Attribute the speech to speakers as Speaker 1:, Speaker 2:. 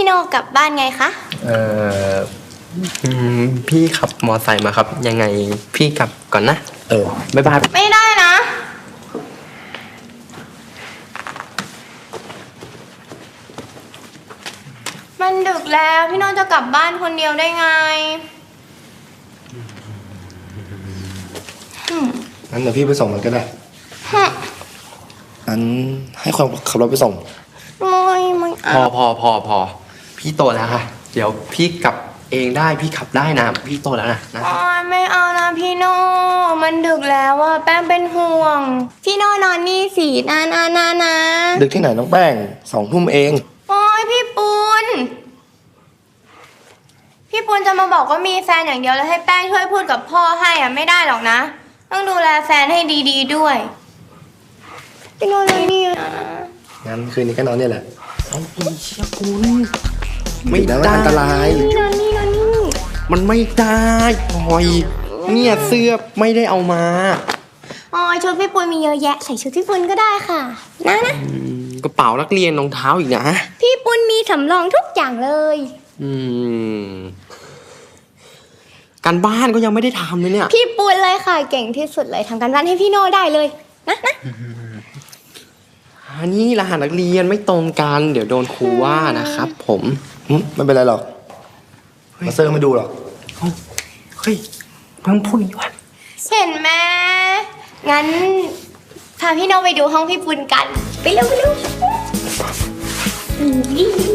Speaker 1: โนกลับบ้านไงคะ
Speaker 2: เออพี่ขับมอไซค์มาครับ ยังไงพี่กลับก่อนนะบ๊ายบาย
Speaker 1: ไม่ได้นะมันดึกแล้วพี่โนจะกลับบ้านคนเดียวได้ไง
Speaker 3: งั้นเดี๋ยวพี่ไปส่งมันก็ได้งั้นให้คนขับรถไปส่ง
Speaker 1: ไม่
Speaker 2: พอพี่โตแล้วค่ะ เดี๋ยวพี่กลับเองได้พี่ขับได้นะพี่โตแล้วนะ
Speaker 1: ไม่เอานะพี่โนมันดึกแล้วอะแป้งเป็นห่วงพี่โนนอนนี่สินะ
Speaker 3: ดึกที่ไหนน้องแป้ง2 ทุ่มเอง
Speaker 1: โอ้ยพี่ปุณจะมาบอกว่ามีแฟนอย่างเดียวแล้วให้แป้งช่วยพูดกับพ่อให้อะไม่ได้หรอกนะต้องดูแลแฟนให้ดีๆด้วยพี่โนเลยนี่นะ
Speaker 3: งั้นคืนนี้ก็นอนเนี่ยแหละ
Speaker 2: เอาไปเชี่ยคุณไม่ได้
Speaker 3: อันตราย
Speaker 1: นอนนี่
Speaker 2: มันไม่ได้ปล่อยเนี่ยเสื้อไม่ได้เอามา
Speaker 1: ชุดพี่ปุณมีเยอะแยะใส่ชุดพี่ปุณก็ได้ค่ะนะ
Speaker 2: กระเป๋านักเรียนรองเท้าอีกนะ
Speaker 1: พี่ปุณมีสำรองทุกอย่างเลย
Speaker 2: การบ้านก็ยังไม่ได้ทำเลยเนี่ย
Speaker 1: พี่ปุณเลยค่ะเก่งที่สุดเลยทำการบ้านให้พี่โน่ได้เลยนะ
Speaker 2: อันนี้รหัสนักเรียนไม่ตรงกันเดี๋ยวโดนครูว่านะครับผม
Speaker 3: ไม่เป็นไรหรอกมาเซอร์ไม่ดูหรอก
Speaker 2: เฮ้ยเพิ่งพูดอีกว่า
Speaker 1: เห็นไหมงั้นพาพี่โน่ไปดูห้องพี่ปุณกันไปเร็ว